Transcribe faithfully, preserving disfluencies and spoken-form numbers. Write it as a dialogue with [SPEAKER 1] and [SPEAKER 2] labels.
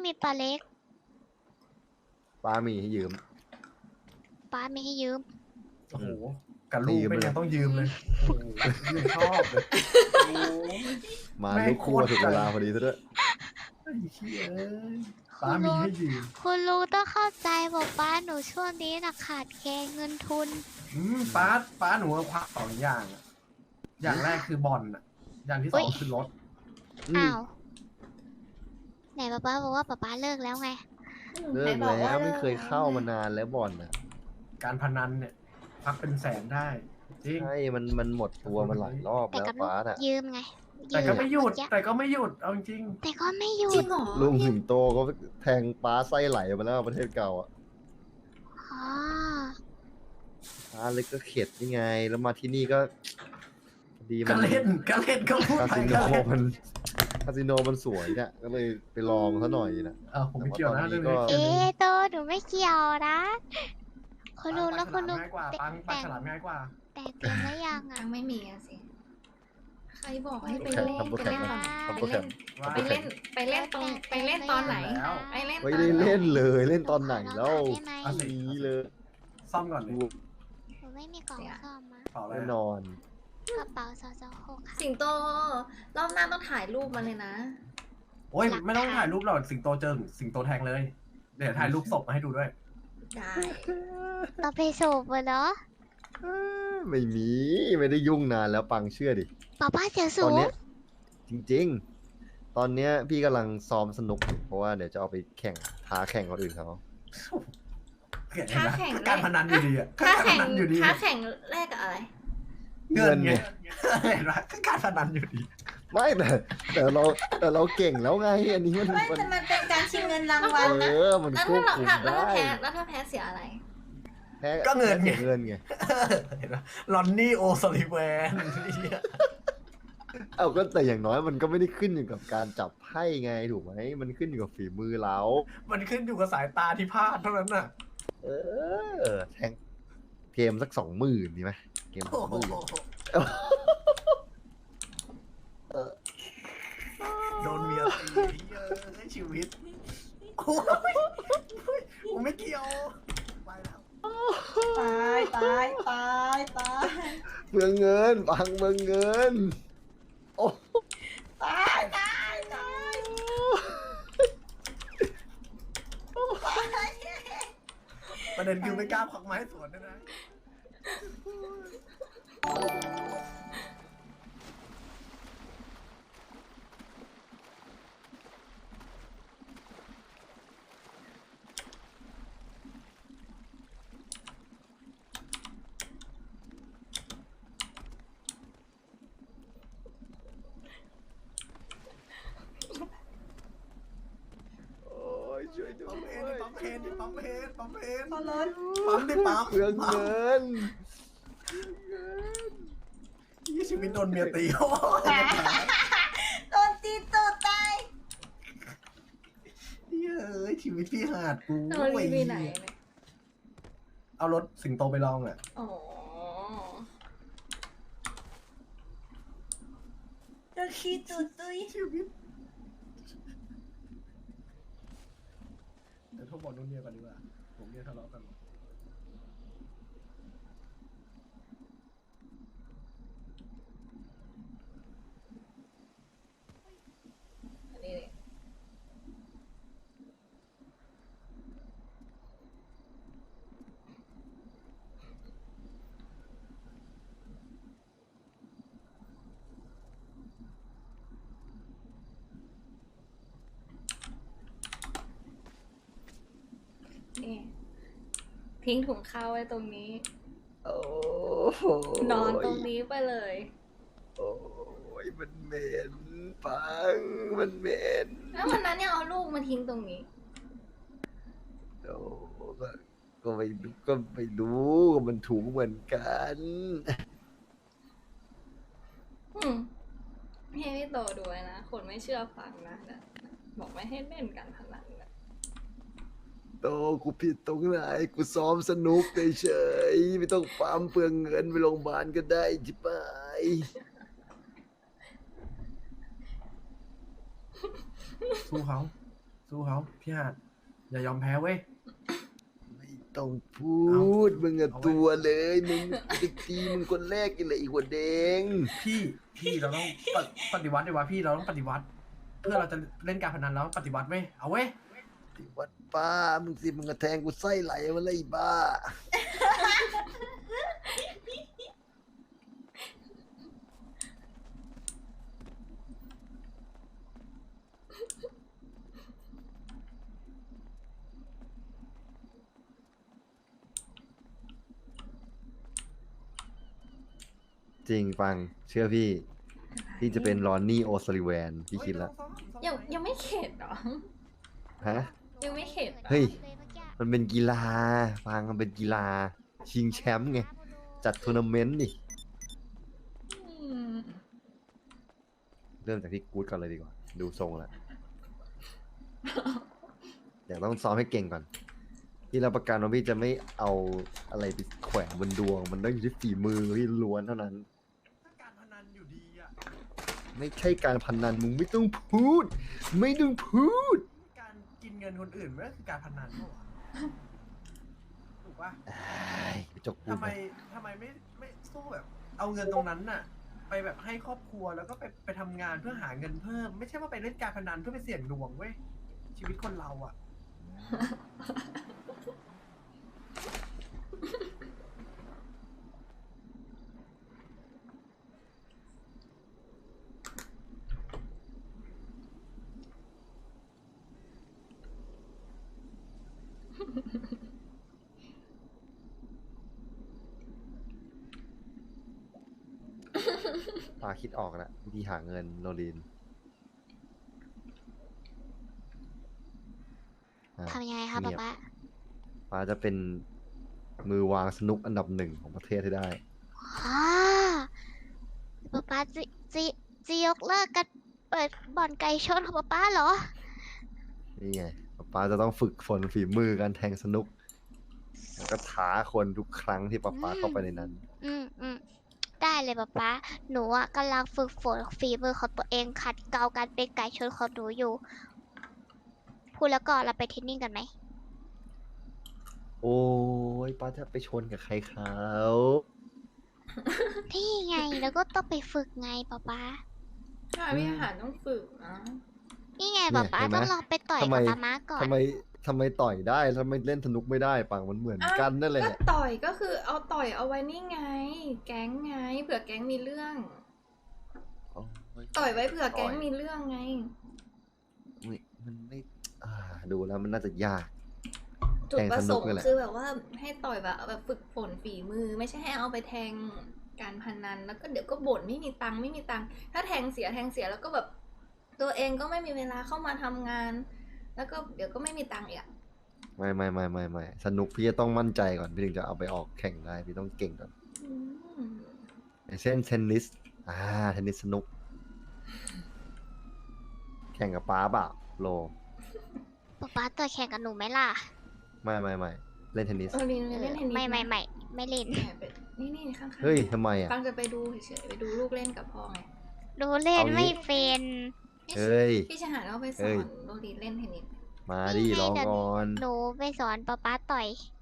[SPEAKER 1] มีปลาเล็ก
[SPEAKER 2] ป้ามีให้ยืม
[SPEAKER 1] ป้าไม่ให้ยืม
[SPEAKER 3] โอ้โหกับลูกไม่ยังต้องยืมเลยโอ้โหยืมชอบเลย
[SPEAKER 2] มาลูกคู่ถึงเวลาพอดีซะด้วย
[SPEAKER 3] ไอ้เหี้ยป้ามีให้ยืม
[SPEAKER 1] คุณลุงต้องเข้าใจบอกป้าหนูช่วงนี้นะขาดแคลนเงินทุน
[SPEAKER 3] อืมป้าป้าหนูควักสองอย่างอะอย่างแรกคือบอลอะอย่างที่สองคือรถ
[SPEAKER 1] อ้าวไหนป้าป้าบอกว่าป้าป้าเลิกแล้วไง
[SPEAKER 2] เลิกแล้วไม่เคยเข้ามานานแล้วบอลน่ะ
[SPEAKER 3] การพนันเนี่ยพักเป็นแสนได้จริง
[SPEAKER 2] ใช่มันมันหมดตัวมันหลายรอบแล้วป้าน่ะ
[SPEAKER 1] ยืมไง
[SPEAKER 3] แต่ก็ไม่หยุดแต่ก็ไม่หยุดเอาจริง
[SPEAKER 1] แต่ก็ไม่หยุด
[SPEAKER 2] ลุงหิมโตก็แทงป้าไส้ไหลมาแล้วประเทศเก่าอ่ะป้าเลยก็เข็ดยังไงแล้วมาที่นี่ก็ดีมัน
[SPEAKER 3] ก็เล่นก็เล่นก็พูด
[SPEAKER 2] คา
[SPEAKER 3] ไป
[SPEAKER 2] สิโน
[SPEAKER 3] ก็เล่น
[SPEAKER 2] มันคาสิโนมันสวยเนี่ยก็เลยไปลองซะหน่อยนะ
[SPEAKER 3] เออผมไม่เกี่ยวนะเรื่องนี้
[SPEAKER 1] เอ๊ะโตหนูไม่เกี่ยวนะคุณลุงแล้วคุณลุง
[SPEAKER 3] ง่ายกว่าปังปังฉลาดง่ายกว่า
[SPEAKER 1] แต่เต็มแล้วยังอ่ะ
[SPEAKER 4] ไม่มีอะสิใครบอกให้ไปเล่นไปเล่นไปเล่นไปเล่นตรงไปเล่นตอนไหนไปเล่น
[SPEAKER 2] ไม่ได้เล่นเลยเล่นตอนไหนแล้วนี้เลย
[SPEAKER 3] ซ่อมก่อนเลย
[SPEAKER 1] หนูไม่มีกล่องซ่อมมา
[SPEAKER 2] แน่นอน
[SPEAKER 1] กระเป๋าสอสอหกค่ะ
[SPEAKER 4] สิงโตรอบหน้าต้องถ่ายรูปมาเลยนะ
[SPEAKER 3] โอ้ยไม่ต้องถ่ายรูปหรอกสิงโตเจอสิงโตแทงเลยเดี๋ยวถ่ายรูปศพมาให้ดูด้วย
[SPEAKER 4] ได้
[SPEAKER 1] ต่อไปสูบเหรอ
[SPEAKER 2] ไม่มีไม่ได้ยุ่งนานแล้วปังเชื่อดิ
[SPEAKER 1] ป้าป้าเสียสูบ
[SPEAKER 2] ตอนนี้จริงๆตอนนี้พี่กำลังซ้อมสนุกเพราะว่าเดี๋ยวจะเอาไปแข่งท้าแข่งคนอื่นเขา
[SPEAKER 4] ท้าแข่ง
[SPEAKER 3] การพนันอยู่ดีอะ
[SPEAKER 4] ท้าแข่งอยู่ดีท้าแข่งแรกกับอะไร
[SPEAKER 2] เงินไง
[SPEAKER 3] เห็นไหมการพนันอยู่ดี
[SPEAKER 2] ไม่แต่แต่เราแต่เราเก่งแล้วไงอันนี้มัน
[SPEAKER 4] ไม่แต่มันเป็นการชิงเงินรางวัลนะ
[SPEAKER 2] เออมันควบคุมได้
[SPEAKER 4] แล้วถ้าแพ้เสียอะไร
[SPEAKER 3] ก็เงินไง
[SPEAKER 2] เงินไง
[SPEAKER 3] ลอนนี่โอซอลิแวน
[SPEAKER 2] เอาก็แต่อย่างน้อยมันก็ไม่ได้ขึ้นอยู่กับการจับไพ่ไงถูกไหมมันขึ้นอยู่กับฝีมือเรา
[SPEAKER 3] มันขึ้นอยู่กับสายตาที่พลาดเท่านั้นน่ะ
[SPEAKER 2] เออแทงเกมสักสองหมื่นดีไหมเกมสองหมื่น
[SPEAKER 3] โดนเมียตีเยอะในชีวิตโอ้ยผมไม่เกี่ยวไปแล้ว
[SPEAKER 4] ตายตายตายตาย
[SPEAKER 2] เมืองเงินบังเมืองเงินโอ้
[SPEAKER 4] ตายตายตาย
[SPEAKER 3] ประเด็นคือไม่กล้าควักไม้สวนด้วยนะ
[SPEAKER 2] ช่วยด้วย
[SPEAKER 3] ปั๊มเพนปั๊มเพนปั๊มเพน
[SPEAKER 4] ปั๊มเพน
[SPEAKER 3] ปั๊มดิปั๊ม
[SPEAKER 2] เรื่องเงิน
[SPEAKER 3] ยี่ชีวิตโดนเมียตีโ
[SPEAKER 4] โดนตีตัวตาย
[SPEAKER 3] เย้ยชีวิตพี่หาดกู
[SPEAKER 4] โดนไปไหน
[SPEAKER 3] เอารถสิงโตไปลองอ่ะ
[SPEAKER 4] อ๋อจะขี้ตุยตุย
[SPEAKER 3] ชีวิตเดี๋ยวโทรบอกนุ่นเนี่ยก่อนดีกว่าผมเนี่ยทะเลาะกัน
[SPEAKER 4] อันนี้นี่ทิ้งถุงข้าวไว้ตรงนี้
[SPEAKER 2] โอ้
[SPEAKER 4] นอนตรงนี้ไปเลย
[SPEAKER 2] โอ้ยมันเหม็นปังมันเหม็น
[SPEAKER 4] แล้ววันนั้นเนี่ยเอาลูกมาทิ้งตรงนี้
[SPEAKER 2] โอ้ก็ก็ไม่ก็ไม่รู้มันถูกเหมือนกัน
[SPEAKER 4] อืมให้พี่โตดูนะคนไม่เชื่อฟังนะบอกไม่ให้เล่นกันพนันนะ
[SPEAKER 2] โตกูผิดตรงไหนกูซ้อมสนุกเฉยๆไม่ต้องปั๊มเปลืองเงินไปโรงพยาบาลก็ได้จิบไป
[SPEAKER 3] สู้เขาสู้เขาพี่หาดอย่ายอมแพ้เว้ย
[SPEAKER 2] ไม่ต้องพูด
[SPEAKER 3] เอามึ
[SPEAKER 2] มึงอะ
[SPEAKER 3] เอาไว้
[SPEAKER 2] ตัวเลยมึงจะตีมึงคนแรกกันเลยอีกหัวแดง
[SPEAKER 3] พี่พี่เราต้องปฏิปฏิวัติดีวะพี่เราต้องปฏิวัติ เพื่อเราจะเล่นการพนันแล้วปฏิวัติเว้ยเอาเว้ย
[SPEAKER 2] ที่วัดป้ามึงสิมึงกระแทงกูไส้ไหลมาเลยไอ้บ้า จริงฟังเชื่อพี่ พี่จะเป็นรอนนี่โอซาลิแวนพี่คิดแล้ว
[SPEAKER 4] ยังยังไม่เข็ดเหรอ
[SPEAKER 2] ฮะ
[SPEAKER 4] ยังไม่เข็ด
[SPEAKER 2] เฮ้ย มันเป็นกีฬา ฟังมันเป็นกีฬา ชิงแชมป์ไง จัดทัวร์นาเมนต์นี่
[SPEAKER 4] อืม
[SPEAKER 2] เริ่มจากพี่กู๊ดก่อนเลยดีกว่า ดูทรงแล้วเดี๋ยวต้องซ้อมให้เก่งก่อน พี่รับประกันว่าพี่จะไม่เอาอะไรไปแขวนบนดวง มันต้องอยู่ที่ฝีมือพี่ล้วนเท่านั้น
[SPEAKER 3] ถ้าการพนันอยู่ดีอะ
[SPEAKER 2] ไม่ใช่การพนันมึงไม่ต้องพูด ไม่ต้องพูด
[SPEAKER 3] การกินเงินคนอื่นมันก็คือการพนันปะวะถูกปะ
[SPEAKER 2] ไอ้จกพู
[SPEAKER 3] ทำ
[SPEAKER 2] ด
[SPEAKER 3] ไม
[SPEAKER 2] นะ
[SPEAKER 3] ทำไมไม่ไม่สู้แบบ เอาเงินตรงนั้นน่ะ ไปแบบให้ครอบครัวแล้วก็ไปไปทำงานเพื่อหาเงินเพิ่ม ไม่ใช่ว่าไปเล่นการพนันเพื่อไปเสี่ยงดวงเว้ยชีวิตคนเราอ่ะ
[SPEAKER 2] ปาคิดออกแล้ววิธีหาเงินโรลินอ่ะ
[SPEAKER 1] ทำยังไงคะ
[SPEAKER 2] เงี
[SPEAKER 1] ป๊าย
[SPEAKER 2] บ
[SPEAKER 1] ป๊า
[SPEAKER 2] ปาจะเป็นมือวางสนุกอันดับหนึ่งของประเทศให้ได้
[SPEAKER 1] อ่าป๊าป๊าจะจะจะยกเลิกกันเปิดบ่อนไก่ชนของป๊าป๊าเหรอ
[SPEAKER 2] นี่ไงปาจะต้องฝึกฝนฝีมือการแทงสนุก แล้วก็ท้าคนทุกครั้งที่ปาปาเข้าไปในนั้น
[SPEAKER 1] อืมอืมได้เลยป๊าป๊าหนูอ่ะกำลังฝึกฝนฝีมือของตัวเองขัดเกลาการเป็นไก่ชนของหนูอยู่ พูดแล้วก็เราไปเทรนนิ่งกันไหม
[SPEAKER 2] โอ้ยป้าจะไปชนกับใครเขา
[SPEAKER 1] นี่ไงแล้วก็ต้องไปฝึกไงป๊าป๊า
[SPEAKER 4] ใช่พี่อาหารต้องฝึกนะ
[SPEAKER 1] นี่ไงป๊าป๊าต้องลองไปต่อยกับป๊าม้าก่อน
[SPEAKER 2] ทำไมทำไมต่อยได้ทำไมเล่นสนุกไม่ได้ปังมันเหมือนกันนั่นแหละ
[SPEAKER 4] ก็ต่อยก็คือเอาต่อยเอาไว้นี่ไง แก๊งไงเผื่อแก๊งมีเรื่อง ต่อยไว้เผื่อแก๊งมีเรื่องไง
[SPEAKER 2] อุ๊ยมันไม่อ่าดูแล้วมันน่าจะยาก
[SPEAKER 4] จุดประสงค์
[SPEAKER 2] แทงสนุกนี่แหละ
[SPEAKER 4] คือแบบว่าให้ต่อยแบบแบบฝึกฝนฝีมือ ไม่ใช่ให้เอาไปแทงการพนันแล้วก็เดี๋ยวก็บ่นไม่มีตังค์ไม่มีตังค์ถ้าแทงเสียแทงเสียแล้วก็แบบตัวเองก็ไม่มีเวลาเข้ามาทำงาน แล้วก็เดี๋ยวก็ไม่มีตังค์อีกอะ
[SPEAKER 2] ไม่ไม่ไม่ไม่ไม่สนุกพี่จะต้องมั่นใจก่อนพี่ถึงจะเอาไปออกแข่งได้พี่ต้องเก่งก่อน
[SPEAKER 4] อืม
[SPEAKER 2] อย่างเช่นเทนนิสอ่าเทนนิสสนุก แข่งกับป้าเปล่าโล
[SPEAKER 1] ป๊าป๊าต่อยแข่งกับหนูไหมล่ะ
[SPEAKER 2] ไม่ไม่ไม่เล่นเทนนิส
[SPEAKER 4] เออลินไปเล่นเทนนิส
[SPEAKER 1] ไม่ไม่
[SPEAKER 4] นะ
[SPEAKER 1] ไม่ไม่เล่น
[SPEAKER 4] แอบไปนี่นี่ข้างๆ
[SPEAKER 2] เฮ้ยทำไมอ่ะ
[SPEAKER 4] ปังจะไปดูเฉยๆไปดูลูกเล่นกับพ่อไง
[SPEAKER 1] หนูเล่น
[SPEAKER 2] เอางี้
[SPEAKER 1] ไม่เป็น
[SPEAKER 2] เฮ้ย
[SPEAKER 4] พี่จะหาเราไปส
[SPEAKER 2] เฮ้
[SPEAKER 4] อย นโรดีเล่นเทนนิส
[SPEAKER 2] มาดิรอก่อน
[SPEAKER 1] หนูไปสอนป๊าป๊าต่อย